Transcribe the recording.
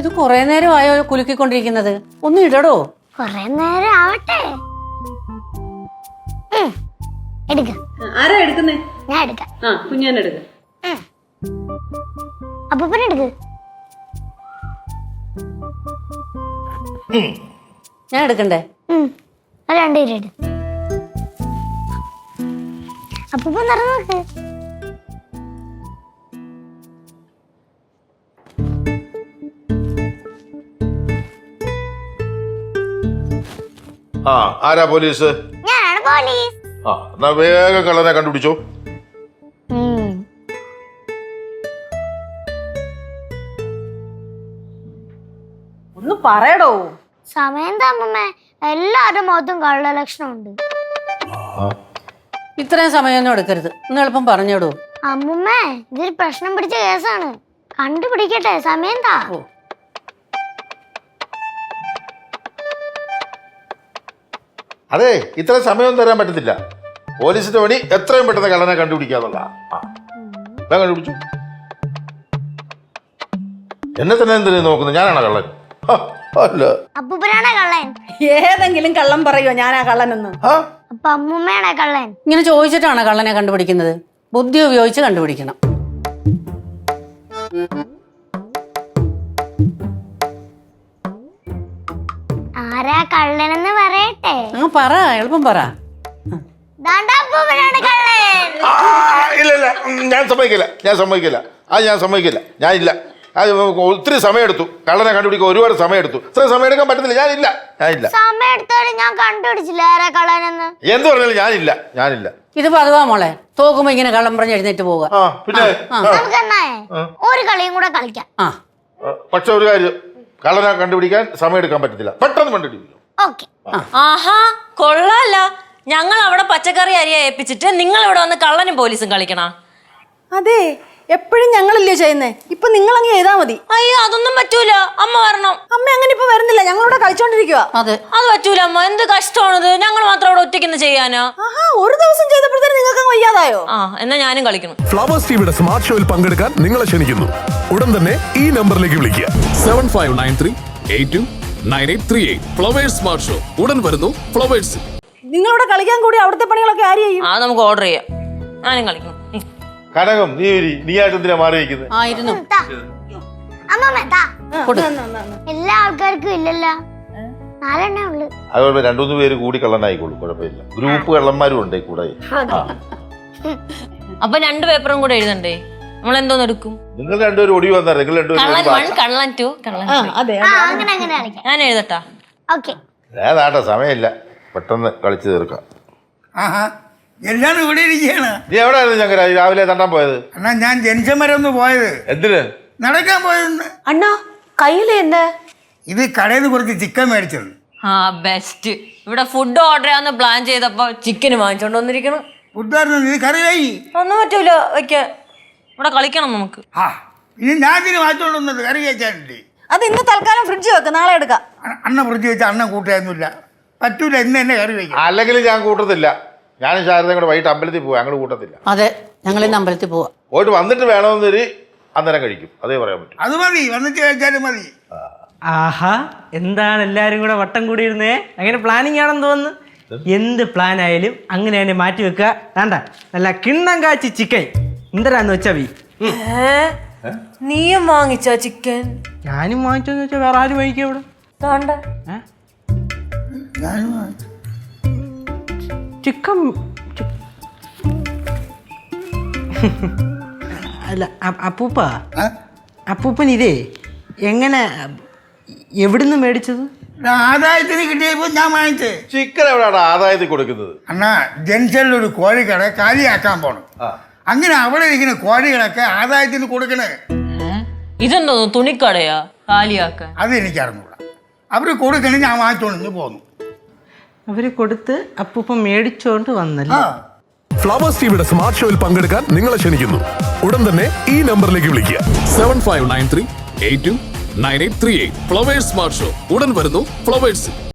ഇത് കൊറേ നേരമായോ കുലുക്കിക്കൊണ്ടിരിക്കുന്നത്? ഒന്ന് ഇടടോ. കൊറേ നേരം ആവട്ടെ. എടുക്ക. ആരാ എടുക്കുന്നേ? ഞാൻ എടുക്കാം. കുഞ്ഞാൻ എടുക്ക. അപ്പൂപ്പൻ എടുക്ക്. ഞാൻ എടുക്കണ്ടേ? രണ്ടുപേരും എടു. അപ്പൂപ്പൻ നിറഞ്ഞു നോക്ക്. ആരാ പോലീസ്? ഞാനാണ് പോലീസ്. എന്നാ വേഗം കള്ളനെ കണ്ടുപിടിച്ചോ. ഒന്ന് പറയടോ. സമയം തമ്മ എല്ലാവരുടെ മുഖത്തും കള്ള ലക്ഷണം ഉണ്ട്. ഇത്രയും സമയമൊന്നും എടുക്കരുത്, ഒന്ന് എളുപ്പം പറഞ്ഞോടൂ. അമ്മുമ്മേ, ഇതൊരു പ്രശ്നം പിടിച്ച കേസാണ്. കണ്ടുപിടിക്കട്ടെ, സമയം താ. അതെ, ഇത്ര സമയം തരാൻ പറ്റത്തില്ല. പോലീസിന്റെ പണി എത്രയും പെട്ടെന്ന് കള്ളനെ കണ്ടുപിടിക്കാന്നുള്ള. കണ്ടുപിടിച്ചു. എന്നെ തന്നെ എന്തിനു നോക്കുന്നത്? ഞാനാണ് കള്ളൻ? അല്ല. അപ്പൂപ്പനാണേ കള്ളൻ. ഏതെങ്കിലും കള്ളം പറയോ ഞാനാ കള്ളനെന്ന്? അപ്പൊ അമ്മുമ്മയാണേ കള്ളൻ. ഇങ്ങനെ ചോദിച്ചിട്ടാണ് കള്ളനെ കണ്ടുപിടിക്കുന്നത്. ബുദ്ധി ഉപയോഗിച്ച് കണ്ടുപിടിക്കണം. ആരാ കള്ളനെന്ന് പറയട്ടെ? പറ, എളുപ്പം പറ. അപ്പൂപ്പനാണ് കള്ളൻ. ഇല്ല ഇല്ല, ഞാൻ സമ്മതിക്കില്ല. ഞാനില്ല. അത് ഒത്തിരി സമയമെടുത്തു കള്ളനെ കണ്ടുപിടിക്കാൻ. ഒരുപാട് സമയമെടുത്തു. ഇത്ര സമയം എടുക്കാൻ പറ്റത്തില്ല. ഞാനില്ല. സമയം എടുത്താലും ഞാൻ കണ്ടുപിടിച്ചില്ല ആരാ കള്ളനെന്ന്. എന്ത് പറഞ്ഞാലും ഞാനില്ല. ഇത് പതുവാ മോളെ, തോക്കുമ്പോ ഇങ്ങനെ കള്ളം പറഞ്ഞ് എഴുന്നേറ്റ് പോവുക. പിന്നെ നമുക്ക് എന്നാ ഒരു കളിയും കൂടെ കളിക്കാം. പക്ഷെ ഒരു കാര്യം, കള്ളനെ കണ്ടുപിടിക്കാൻ സമയം എടുക്കാൻ പറ്റത്തില്ല. പെട്ടെന്ന് കണ്ടുപിടിക്കും. ഓക്കെ. ആഹാ, കൊള്ളാല്ല. ഞങ്ങൾ അവിടെ പച്ചക്കറി അരിയ ഏൽപ്പിച്ചിട്ട് നിങ്ങൾ ഇവിടെ വന്ന് കള്ളനും പോലീസും കളിക്കണ? അതെ, എപ്പോഴും ഞങ്ങളല്ലേ ചെയ്യുന്നേ. ഇപ്പൊ നിങ്ങൾ അങ്ങ് ചെയ്താ മതി. അയ്യോ, അതൊന്നും പറ്റൂല. അമ്മ വരണം. അമ്മ അങ്ങനെ ഇപ്പൊ വരുന്നില്ല, ഞങ്ങളിവിടെ കളിച്ചോണ്ടിരിക്കുക. അതെ, അത് പറ്റൂല അമ്മ. എന്ത് കഷ്ടമാണിത്. ഞങ്ങൾ മാത്രം അവിടെ ഒറ്റയ്ക്ക് ചെയ്യാനാ? ഒരു ദിവസം ചെയ്തപ്പോഴത്തേനും നിങ്ങൾക്ക് വയ്യാതായോ? എന്നാ ഞാനും കളിക്കണം. ഫ്ലവേഴ്സ് ടിവിയുടെ സ്മാർട്ട് ഷോയിൽ പങ്കെടുക്കാൻ നിങ്ങളെ ക്ഷണിക്കുന്നു. ഉടൻ തന്നെ ഈ നമ്പറിലേക്ക് വിളിക്കുക. 7593829838. ഫ്ലവേഴ്സ് സ്മാർട്ട് ഷോ ഉടൻ വരുന്നു ഫ്ലവേഴ്സ്. നിങ്ങളിവിടെ കളിക്കാൻ കൂടി അവിടുത്തെ പണികളൊക്കെ ആര് ചെയ്യും? നമുക്ക് ഓർഡർ ചെയ്യാം. ഞാനും കളിക്കണം. കനകം, നീയായിട്ട് എന്തിനാ മാറി വയ്ക്കുന്നത്? ആയിരുന്നു. എല്ലാ ആൾക്കാർക്കും ഇല്ലല്ലോ, 4 ഉള്ളു. അതുകൊണ്ട് 2-3 പേര് കൂടി കള്ളനായിക്കോളൂ, കുഴപ്പമില്ല. ഗ്രൂപ്പ് കള്ളന്മാരും ഉണ്ട് കൂടെ. അപ്പൊ 2 പേപ്പറും കൂടെ എഴുതണ്ടേ? നമ്മൾ എന്തോന്ന് എടുക്കും? നിങ്ങൾ രണ്ടുപേരും ഒടി വന്നാൽ നിങ്ങൾ രണ്ടുപേരും കള്ളൻ 2 ഞാൻ എഴുതട്ടാ? ഓക്കെ. ഏതാട്ടെ, സമയമില്ല, പെട്ടെന്ന് കളിച്ചു തീർക്കാം. എല്ലാരും ഇവിടെ ഇരിക്കുകയാണ്. നീ എവിടെയായിരുന്നു? ഞങ്ങൾ രാവിലെ തണ്ടാൻ പോയത്. അണ്ണാ, ഞാൻ ജംഗ്ഷൻ വരെ ഒന്ന് പോയത്. എന്തിന്? നടക്കാൻ പോയതെന്ന്. അണ്ണാ, കയ്യില് എന്താ? ഇത് കടയിൽ നിന്ന് കുറച്ച് ചിക്കൻ മേടിച്ചത്. ബെസ്റ്റ്. ഇവിടെ ഫുഡ് ഓർഡർ ചെയ്യാന്ന് പ്ലാൻ ചെയ്തപ്പോ ചിക്കന് വാങ്ങിച്ചോണ്ട് വന്നിരിക്കണം. ഫുഡായിരുന്നു. ഇത് കറിയായി ഒന്നും പറ്റൂല വെക്കാൻ. ഇവിടെ കളിക്കണം നമുക്ക്. ഇനി ഞാൻ ഇതിന് വാങ്ങിച്ചോണ്ട് വന്നത് കറി കഴിച്ചാനില്ലേ. അത് ഇന്ന് തൽക്കാലം ഫ്രിഡ്ജ് വെക്ക്, നാളെ എടുക്കാം. അണ്ണ ഫ്രിഡ്ജ് വെച്ചാൽ അണ്ണൻ കൂട്ടായൊന്നുമില്ല. പറ്റൂല, ഇന്ന് തന്നെ കറി വയ്ക്കാം. അല്ലെങ്കിൽ ഞാൻ കൂട്ടത്തില്ല. ഞാനും ശാരദയും കൂടെ വൈകിട്ട് അമ്പലത്തിൽ പോവാ. ഞങ്ങൾ കൂട്ടത്തില്ല. അതെ, ഞങ്ങൾ ഇന്ന് അമ്പലത്തിൽ പോവാ. പോയിട്ട് വന്നിട്ട് വേണമെന്നൊരു അന്നേരം കഴിക്കും. അതേ പറയാൻ പറ്റും. അത് മതി, വന്നിട്ട് കഴിച്ചാലും മതി. ആഹാ, എന്താണ് എല്ലാരും കൂടെ വട്ടം കൂടിയിരുന്നേ? അങ്ങനെ പ്ലാനിങ് ആണെന്ന് തോന്നുന്നു. എന്ത് പ്ലാൻ ആയാലും അങ്ങനെ തന്നെ മാറ്റി വെക്കുക. വേണ്ട, നല്ല കിണ്ണം കാച്ചി ചിക്കൻ എന്തരാന്ന് വെച്ചാ നീയും വാങ്ങിച്ച ചിക്കൻ? ഞാനും വാങ്ങിച്ചെന്ന് വെച്ചാൽ വേറെ ആരും വാങ്ങിക്കാം ഇവിടെ. ചിക്കൻ അല്ല അപ്പൂപ്പൻ ഇതേ എങ്ങനെ എവിടുന്ന് മേടിച്ചത്? ആദായത്തിന് കിട്ടിയപ്പോ ഞാൻ വാങ്ങിച്ചേ. ചിക്കൻ എവിടെയാണ് ആദായത്തിൽ കൊടുക്കുന്നത്? അണ്ണാ, ജംഗ്ഷനിലൊരു കോഴിക്കട കാലിയാക്കാൻ പോണം. അങ്ങനെ അവിടെ ഇരിക്കുന്ന കോഴികളൊക്കെ ആദായത്തിന് കൊടുക്കണേ. ഇതെന്തോ തുണിക്കടയാ കാലിയാക്കാൻ? അത് എനിക്ക് അറിഞ്ഞൂടാ. അവര് കൊടുക്കണേ, ഞാൻ വാങ്ങിച്ചോണ്ട് പോന്നു. അവര് കൊടുത്ത് അപ്പൂപ്പൻ മേടിച്ചോണ്ട് വന്നല്ലേ. ഫ്ലവേഴ്സ് ടിവിയുടെ സ്മാർട്ട് ഷോയിൽ പങ്കെടുക്കാൻ നിങ്ങളെ ക്ഷണിക്കുന്നു. ഉടൻ തന്നെ ഈ നമ്പറിലേക്ക് വിളിക്കുക. 7593829838. ഫ്ലവേഴ്സ് സ്മാർട്ട് ഷോ ഉടൻ വരുന്നു ഫ്ലവേഴ്സ്.